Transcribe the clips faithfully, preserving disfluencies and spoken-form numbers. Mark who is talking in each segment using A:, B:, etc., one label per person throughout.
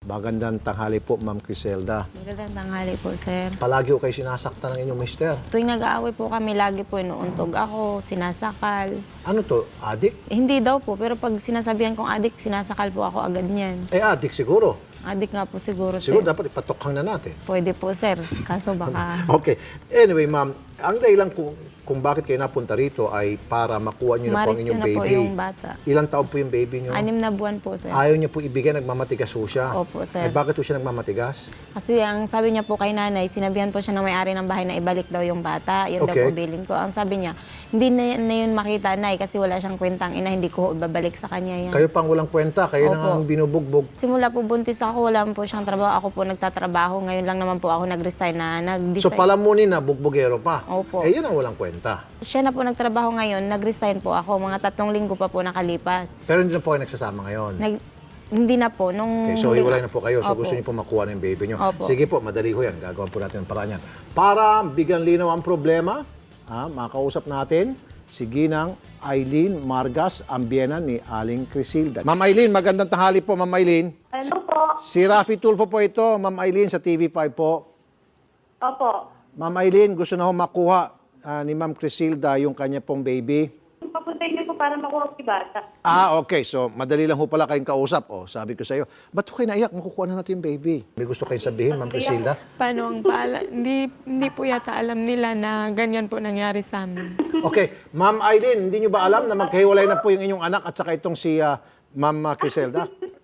A: Magandang tanghali po, Ma'am Criselda.
B: Magandang tanghali po, sir.
A: Palagi ko kayo sinasaktan ng inyong mister.
B: Tuwing nag-aaway po kami, lagi po inuuntog ako, sinasakal.
A: Ano to? Adik?
B: Eh, hindi daw po, pero pag sinasabihan kong adik, sinasakal po ako agad niyan.
A: Eh, adik siguro.
B: Adik nga po siguro,
A: Siguro
B: sir.
A: dapat ipatokhang na natin.
B: Pwede po, sir. Kaso baka...
A: Okay. Anyway, ma'am, ang dahilan kung, kung bakit kayo napunta rito ay para makuha niyo na po ang
B: Umaris
A: inyong
B: ko na po
A: baby.
B: yung bata.
A: Ilang taon po yung baby niyo?
B: Anim na buwan po, sir.
A: Ayaw niya po ibigay, nagmamatigas po siya.
B: Opo, sir.
A: Eh, bakit po siya nagmamatigas?
B: Kasi ang sabi niya po kay nanay, sinabihan po siya ng may-ari ng bahay na ibalik daw yung bata. Yun daw
A: Okay.
B: po bilin ko. Ang sabi niya, hindi na, na yun makita, nay, kasi wala siyang kwentang ina, hindi ko ibabalik sa kanya yan.
A: Kayo pang walang kwenta, kayo na
B: Opo.
A: nga ang binubugbog.
B: Simula po buntis ako, wala po siyang trabaho. Ako po nagtatrabaho. Ngayon lang naman po ako nag-resign na nag-design.
A: So palamunin na, bugbogero pa.
B: Opo.
A: Eh, yan ang walang kwenta.
B: Siya na po nagtrabaho ngayon, nag-resign po ako. Mga tatlong linggo pa po nakalipas.
A: Pero hindi na po kayo nagsasama ngayon.
B: Nag, hindi na po. Nung,
A: Okay, so
B: huli-
A: hiwalay na po kayo. So
B: Opo.
A: gusto niyo po makuha ng baby niyo.
B: Opo.
A: Sige po, madali ho yan. Gagawin po natin ang paraan yan. Para bigyan linaw ang problema, ha, makausap natin si Ginang Eileen Margas, ang biyena ni Aling Crisilda. Ma'am Eileen, magandang tanghali po, Ma'am Eileen.
C: Ano po?
A: Si Rafi Tulfo po ito, Ma'am Eileen, sa T V five po.
C: Opo.
A: Ma'am Eileen, gusto na ho makuha ah, ni Ma'am Crisilda yung kanya pong baby.
C: Papuntay niyo po para makuha si bata.
A: Ah, okay. So, madali lang ho pala kayong kausap. Oh, sabi ko sa iyo, ba't ho kayo naiyak? Makukuha na natin yung baby. May gusto kayong sabihin, Ma'am Crisilda?
B: Paano ang pala? Hindi, hindi po yata alam nila na ganyan po nangyari sa amin.
A: Okay. Ma'am Eileen, hindi nyo ba alam na magkahiwalay na po yung inyong anak at saka itong si ah, Ma'am ah, Criselda?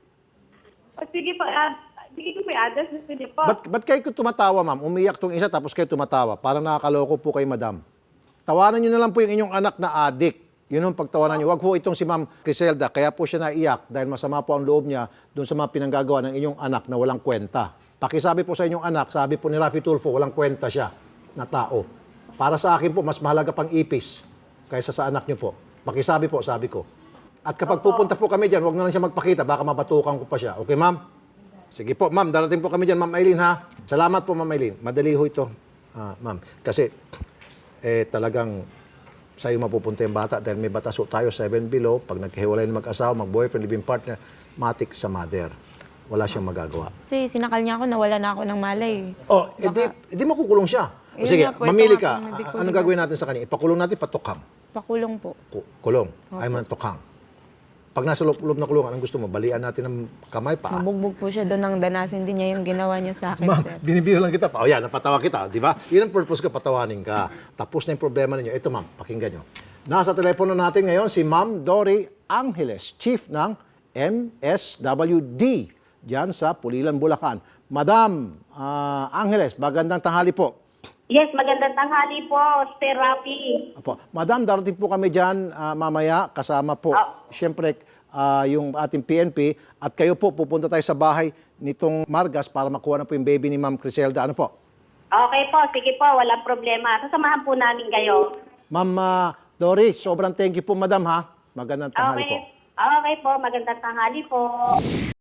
C: O sige po, uh, sige ko po yung address na sige po.
A: Ba't, ba't kayo tumatawa, ma'am? Umiyak tong isa tapos kayo tumatawa. Parang nakakaloko po kay madam. Tawanan nyo na lang po yung inyong anak na adik. Yun ang pagtawanan nyo. Huwag po itong si Ma'am Criselda. Kaya po siya naiyak dahil masama po ang loob niya doon sa mga pinanggagawa ng inyong anak na walang kwenta. Pakisabi po sa inyong anak, sabi po ni Rafi Tulfo, walang kwenta siya na tao. Para sa akin po, mas mahalaga pang ipis kaysa sa anak nyo po. Pakisabi po, sabi ko. At kapag pupunta po kami dyan, huwag na lang siya magpakita, baka mabatukan ko pa siya. Okay, ma'am? Sige po, ma'am, darating po kami dyan, Ma'am Eileen, ha? Salamat po, Ma'am Eileen. Madali ho ito, ah, ma'am. Kasi, eh, talagang sa'yo mapupunta yung bata dahil may batas ho tayo, seven below. Pag naghiwalay ng mag-asawa, mag-boyfriend, living partner, matik sa mother. Wala siyang magagawa.
B: Kasi sinakal niya ako, nawala na ako ng malay.
A: Oh, edi, edi makukulong siya. O
B: Yun
A: sige,
B: nga po, ito
A: mamili
B: nga
A: ka.
B: po, hindi ko
A: A- Anong
B: rin-
A: gagawin natin sa kanya? Ipakulong natin, patukhang.
B: Pakulong po.
A: Ku- Kulong. Ayaw mo ng tukhang. Pag nasa loob, loob na kulungan, anong gusto mo? Balian natin ng kamay, paa?
B: Mabugbog po siya doon nang danasin din niya yung ginawa niya sa akin,
A: Ma'am,
B: sir.
A: binibiro lang kita pa. O yan, napatawa kita, di ba? Yun ang purpose ko, patawanin ka. Tapos na yung problema ninyo. Ito, ma'am, pakinggan nyo. Nasa telepono natin ngayon si Ma'am Dory Angeles, Chief ng M S W D, dyan sa Pulilan, Bulacan. Madam ah, Angeles, magandang tanghali po.
C: Yes, magandang tanghali po, Sir Rafi.
A: Apo. Madam, darating po kami dyan ah, mamaya, kasama po,
C: Ah.
A: siyempre, ah, yung ating P N P, at kayo po, pupunta tayo sa bahay nitong Margas para makuha na po yung baby ni Ma'am Criselda. Ano po?
C: Okay po, sige po, walang problema. Sasamahan po namin kayo.
A: Ma'am ah, Dory, sobrang thank you po, madam, ha? Magandang tanghali
C: Okay.
A: po.
C: Okay po, magandang tanghali po.